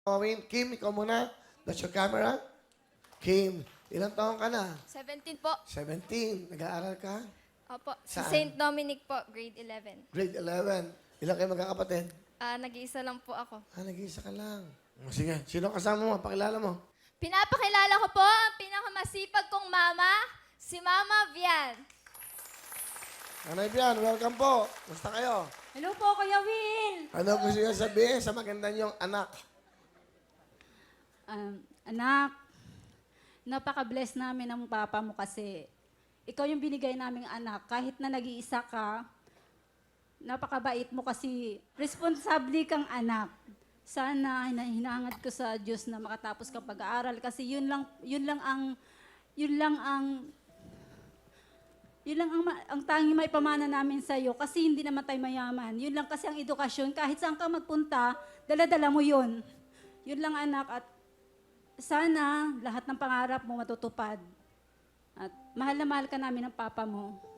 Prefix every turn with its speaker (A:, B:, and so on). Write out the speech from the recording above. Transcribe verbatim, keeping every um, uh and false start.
A: Owen, Kim, ikaw muna. That's your camera. Kim, ilang taon ka na?
B: seventeen po.
A: seventeen. Nag-aaral ka?
B: Opo. Sa
A: Saan?
B: Saint Dominic po, grade eleven.
A: Grade eleven. Ilang kayo magkakapatid?
B: Ah, nag-iisa lang po ako.
A: Ah, nag-iisa ka lang. O, sige, sino kasama mo? Pakilala mo.
B: Pinapakilala ko po ang pinakamasipag kong mama, si Mama Vian.
A: Nanay Bian, welcome po. Musta kayo?
C: Hello po, Kuya Will.
A: Ano gusto niyo sabihin sa maganda niyong anak?
C: Um, anak, napaka-bless namin ng papa mo kasi ikaw yung binigay naming anak. Kahit na nag-iisa ka, napakabait mo kasi responsable kang anak. Sana hina- hinahangad ko sa Diyos na makatapos ka pag-aaral kasi yun lang yun lang ang yun lang ang yun lang ang, ma- ang tanging may pamana namin sa iyo kasi hindi naman tayo mayaman. Yun lang kasi ang edukasyon. Kahit saan ka magpunta, dala-dala mo yun. Yun lang anak at sana lahat ng pangarap mo matutupad. At mahal na mahal ka namin ng papa mo.